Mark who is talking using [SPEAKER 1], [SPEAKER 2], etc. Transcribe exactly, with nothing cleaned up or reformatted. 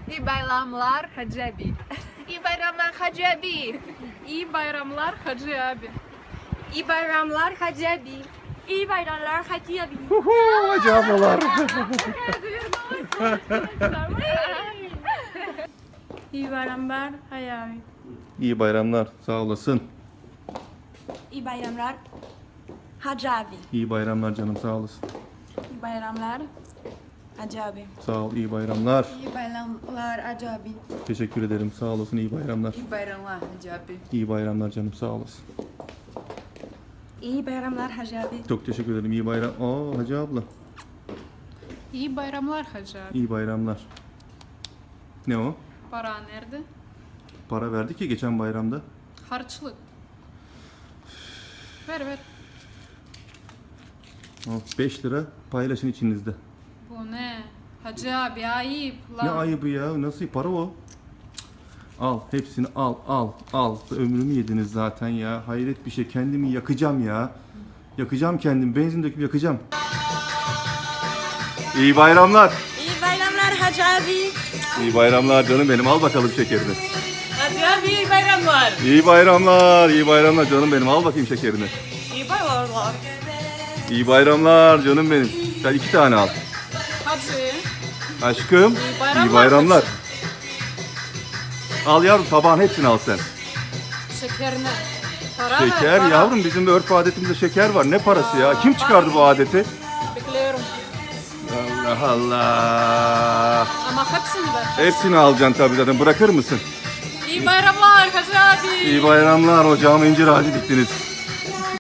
[SPEAKER 1] İyi bayramlar Hacı abi.
[SPEAKER 2] İyi bayramlar Hacı abi.
[SPEAKER 1] İyi bayramlar Hacı abi.
[SPEAKER 2] İyi bayramlar Hacı abi. İyi bayramlar Hacı abi.
[SPEAKER 3] Huhu, Hacı ablalar.
[SPEAKER 2] İyi bayramlar Hacı abi.
[SPEAKER 3] İyi bayramlar. Sağ olasın.
[SPEAKER 2] İyi bayramlar Hacı abi.
[SPEAKER 3] İyi bayramlar canım. Sağ olasın.
[SPEAKER 2] İyi bayramlar Hacı abi.
[SPEAKER 3] Sağ ol. İyi bayramlar.
[SPEAKER 2] İyi bayramlar Hacı abi.
[SPEAKER 3] Teşekkür ederim. Sağ olasın. İyi bayramlar.
[SPEAKER 1] İyi bayramlar Hacı abi.
[SPEAKER 3] İyi bayramlar canım. Sağ olasın.
[SPEAKER 2] İyi bayramlar Hacı abi.
[SPEAKER 3] Çok teşekkür ederim. İyi bayram. Aa Hacı abla.
[SPEAKER 1] İyi bayramlar Hacı abi.
[SPEAKER 3] İyi bayramlar. Ne o?
[SPEAKER 1] Para nerede?
[SPEAKER 3] Para verdik ya geçen bayramda.
[SPEAKER 1] Harçlık. Ver ver.
[SPEAKER 3] beş lira paylaşın içinizde.
[SPEAKER 1] Bu ne? Hacı abi ayıp lan.
[SPEAKER 3] Ne ayıbı ya? Nasıl para o? Al hepsini al al al. Ömrümü yediniz zaten ya. Hayret bir şey. Kendimi yakacağım ya. Yakacağım kendimi. Benzin döküp yakacağım. İyi bayramlar.
[SPEAKER 2] İyi bayramlar Hacı abi.
[SPEAKER 3] İyi bayramlar canım benim. Al bakalım şekerini.
[SPEAKER 2] Hacı abi iyi bayramlar.
[SPEAKER 3] İyi bayramlar. İyi bayramlar canım benim. Al bakayım şekerini.
[SPEAKER 2] İyi bayramlar.
[SPEAKER 3] İyi bayramlar canım benim. Sen iki tane al.
[SPEAKER 1] Hacı.
[SPEAKER 3] Aşkım.
[SPEAKER 1] İyi bayramlar.
[SPEAKER 3] İyi bayramlar. Al yavrum tabağın hepsini al sen.
[SPEAKER 1] Şekerine. Para ver,
[SPEAKER 3] Şeker
[SPEAKER 1] para.
[SPEAKER 3] yavrum bizim de örf adetimizde şeker var. Ne parası ya? Kim çıkardı bu adeti?
[SPEAKER 1] Bekliyorum.
[SPEAKER 3] Allah Allah.
[SPEAKER 1] Ama hepsini ver.
[SPEAKER 3] Hepsini alacaksın tabii zaten. Bırakır mısın?
[SPEAKER 1] İyi bayramlar Hacı abi.
[SPEAKER 3] İyi bayramlar. Ocağıma incir ağacı diktiniz.